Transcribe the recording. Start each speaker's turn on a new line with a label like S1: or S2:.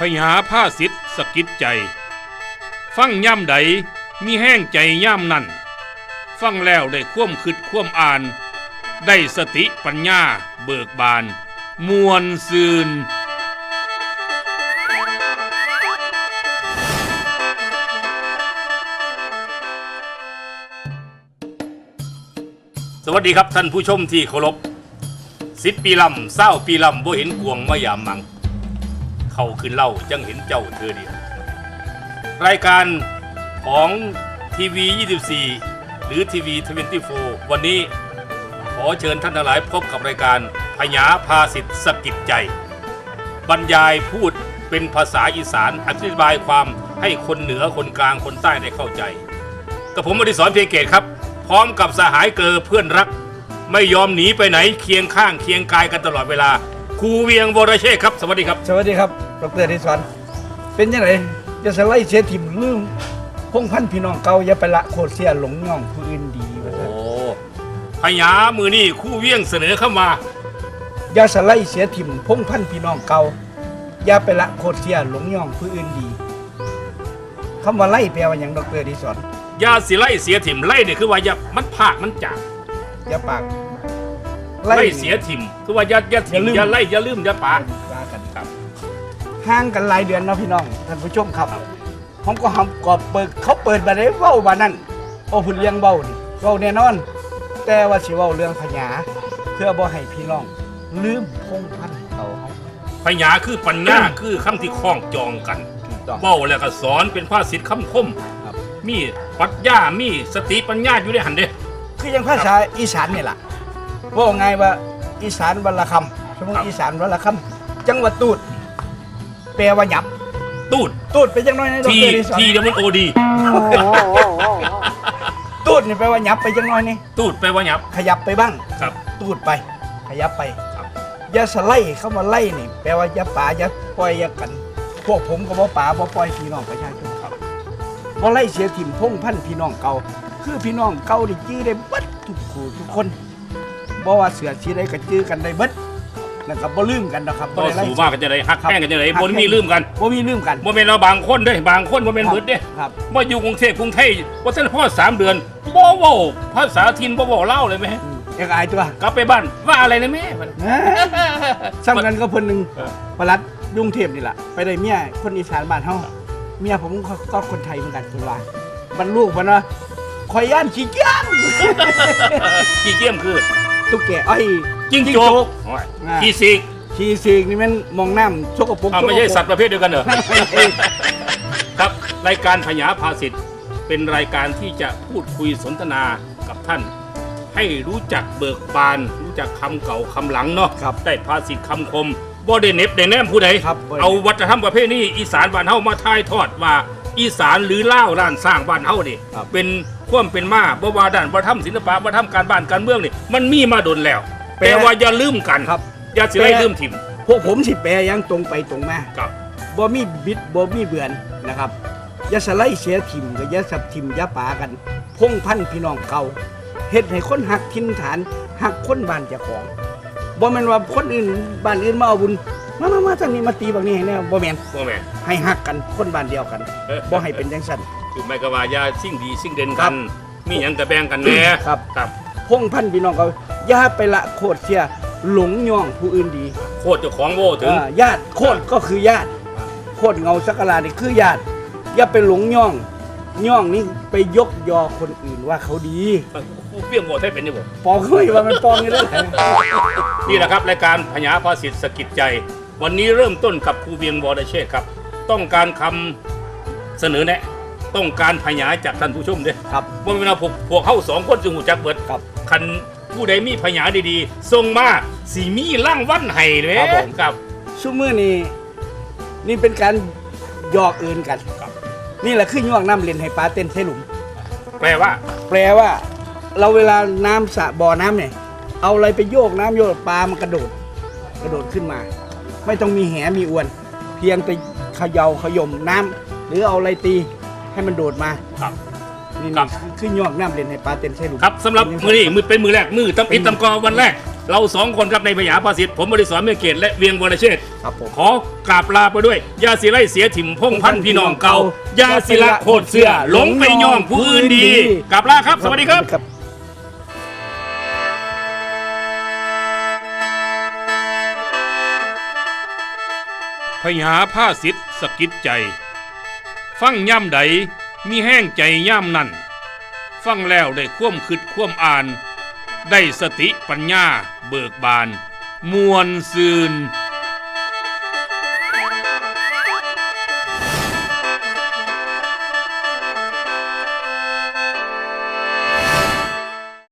S1: ญาผ้าสิทธิ์สะกิดใจฟังย่ำใดมีแห้งใจย่ำนั่นฟังแล้วได้คว่ำคิดคว่ำอ่านได้สติปัญญาเบิกบานมวลซืนสวัสดีครับท่านผู้ชมที่เคารพ10 ปีลำ20 ปีลำบ่เห็นกวงมายามมังเขาขึ้นเล่าจังเห็นเจ้าเธอเดียวรายการของทีวี24หรือทีวี24วันนี้ขอเชิญท่านทั้งหลายพบกับรายการพญาภาสิทธิ์สะกิดใจบรรยายพูดเป็นภาษาอีสานอธิบายความให้คนเหนือคนกลางคนใต้ได้เข้าใจกับผมอดิศร เพียงเกตครับพร้อมกับสหายเกอเพื่อนรักไม่ยอมหนีไปไหนเคียงข้างเคียงกายกันตลอดเวลาครูเวียงวรเชษฐ์ครับสวัสดีครับ
S2: สวัสดีครับดร.อดิศรเป็นยังไงจะสไลด์เสียถิ่มลืมพงพันพี่น้องเก่าอย่าไปละโคตรเสียหลงย่องผู้อื่นดีว่าซั่น
S1: พญามือนี่ครูเวียงเสนอเข้ามา
S2: อย่าสไลด์เสียถิ่มพงพันพี่น้องเก่าอย่าไปละโคตรเสียหลงย่องผู้อื่นดีคำว่าไล่แปลว่าอย่างดร.อดิศร
S1: อย่าสิไล่เสียถิ่มไล่เนี่ยคือว่าอย่ามันภาคมันจาก
S2: อย่าปาก
S1: ไล่เสียถิ่มคือว่าอย่าถิ่มอย่าไล่อย่าลืมอย่าปาก
S2: กันครับห่างกันหลายเดือนเนาะพี่น้องท่านผู้ชมครับผมก็เปิดเขาเปิดมาได้เว้าบานั่นโอ้พุ่นเลี้ยงเว้านี่เว้าแน่นอนแต่ว่าสิเว้าเรื่องพญาเพื่อบ่ให้พี่น้องลืมพงพันเขาเฮา
S1: พญาคือปัญญาคือคำที่คล้องจองกันเว้าแล้วก็สอนเป็นภาษิตคำคมมีปรัชญามีสติปัญญาอยู่ในหันเด้
S2: คือยังภาษาอีสานนี่ล่ะว่าไงว่าอีสานวันละคำสมมติอีสานวันละคำจังหวัดตูดแปลว่าหยับตูดเป็นจังน้อยใน
S1: ทีเดี๋ยวมันโอดี
S2: ตูดนี่แปลว่าหยับไปจังน้อยนี่
S1: ตูดแปลว่าหยับ
S2: ขยับไปบ้าง
S1: ครับ
S2: ตูดไปขยับไปอย่าสไลเข้ามาไล่นี่แปลว่าอย่าป่าอย่าปล่อยอย่ากันพวกผมก็บ่ป่าบ่ปล่อยพี่น้องประชาชนครับบ่ไล่เสียถิ่มพงพันพี่น้องเก่าคือพี่น้องเก่าได้จื้อได้เบิดทุกคู่ทุกคนบ่ว่าเสือสีได้ก็จื้อกันได้เบิดแล้วก็บ่ลืมกันนะครับ
S1: บ่ได้สู่มากกันจะได้ฮักแห้งกันจะได้บ่มีลืมกัน
S2: บ่
S1: แม่นเราบางคนเด้บางคนบ่แม่นเบิดเด้บ่อยู่กรุงเทพกรุงไทยบ่ทันพอ3 เดือนบ่เว้าภาษาถิ่นบ่เว้าลาวเลยแม่
S2: อยากอายตัว
S1: กลับไปบ้านว่าอะไรนะแม่
S2: ซ้ำกันก็เพิ่นนึงประหลัดกรุงเทพนี่ล่ะไปได้เมียคนอีสานบ้านเฮาเมียผมก็คนไทยเหมือนกันคนว่ามันลูกมันว่าข่อยย่านขี้เกียจ
S1: ขี้เกียจคือ
S2: ตุ๊กแกไอ้
S1: จิ้งจกขี้
S2: สิกนี่มันมองน้ำชกกระปุก
S1: ไม่ใช่สัตว์ประเภทเดียวกันเหรอครับรายการพญาภาสิทธิ์เป็นรายการที่จะพูดคุยสนทนากับท่านให้รู้จักเบิกบานรู้จักคำเก่าคำหลังเนาะได้ภาษิตคำคมบ่ได้เน็บได้แนมผู้ใดเอาวัฒนธรรมประเภทนี้อีสานบ้านเฮามาถ่ายทอดว่าอีสานหรือลาวด้านสร้างบ้านเฮานี่เป็นความเป็นมาบ่ว่าด้านวัฒนธรรมศิลปะวัฒนธรรมการบ้านการเมืองนี่มันมีมาดนแล้วแต่ว่าอย่าลืมกันอย่าสิได้ลืมถิ่ม
S2: พวกผมสิแปลยังตรงไปตรงมาบ่มีบิดบ่มีเบือนนะครับอย่าสไลด์เสียถิ่มก็อย่าสับถิ่มอย่าป่ากันพงพันพี่น้องเก่าเฮ็ดให้คนหักถิ่นฐานหักคนบ้านเจ้าของบ่แม่นว่าคนอื่นบ้านอื่นมาเอาบุญมาทางนี้มาตีบางนี้ให้แน่บ่แม่นให้หักกันคนบ้านเดียวกันบ่ให้เป็นจังซั่น
S1: คือไม่ก็ว่าอย่าสิ่งดีสิ่งเด่นกันมีหยังก็แบ่งกันแหน่
S2: ครับพงพันพี่น้องเขาอย่าไปละโคตรเสียหลงย่องผู้อื่นดี
S1: โคตรเจ้าของโว้ถึง
S2: ญาติโคตรก็คือญาติโคตรเงาสักการะนี่คือญาติอย่าไปหลงย่องนี่ไปยกยอคนอื่นว่าเขาดี
S1: เปี้ยงโง่ให้เป็นนี่บ่
S2: ปองเฮ้ยว่ามันปองนี่เด้อ
S1: นี่แหละครับรายการพญาภาษิตสะกิดใจวันนี้เริ่มต้นกับครูเวียงวรเชษฐ์ครับต้องการคำเสนอแนะต้องการพญาจากท่านผู้ชมเด้
S2: ครับ
S1: ว่าเวลาพวกเข้า2 คนจึงหูจักเบิดคันผู้ใดมีพญาดีๆส่งมาสีมีร่างวันไห้เลยครับ
S2: ซุมื้อนี้นี่เป็นการหยอกเอินกันนี่แหละคือย่องน้ำเล่นให้ปลาเต้นใส่หลุม
S1: แปลว่า
S2: เราเวลาน้ำสระบ่อน้ำเนี่ยเอาอะไรไปโยกน้ำโยกปลามันกระโดดขึ้นมาไม่ต้องมีแหมีอวนเพียงไปเขย่มน้ำหรือเอาอะไรตีให้มันโดดมา
S1: ครับ
S2: นี่ขึ้นย่องน้ำเล่นให้ปลาเต้นใช่หรือ
S1: ครับสำหรับมือนี้มือเป็นมือแรกมือตำอิดตำกอวันแรกเราสองคนครับในพญาภาษิตผมบริสรเมืองเกตและเวียงวรเชษฐ์
S2: ครับผม
S1: ขอกราบลาไปด้วยยาสิไลเสียถิ่มพงพันธุ์พี่น้องเก่ายาสิละโคตรเสื้อหลงไปย่องผู้อื่นดีกราบลาครับสวัสดีครับ พญาผ้าสิทธิ์สะกิดใจฟังย่ำใดมีแห้งใจย่ำนั่นฟังแล้วได้คว่ำคิดคว่ำอ่านได้สติปัญญาเบิกบานมวลซืน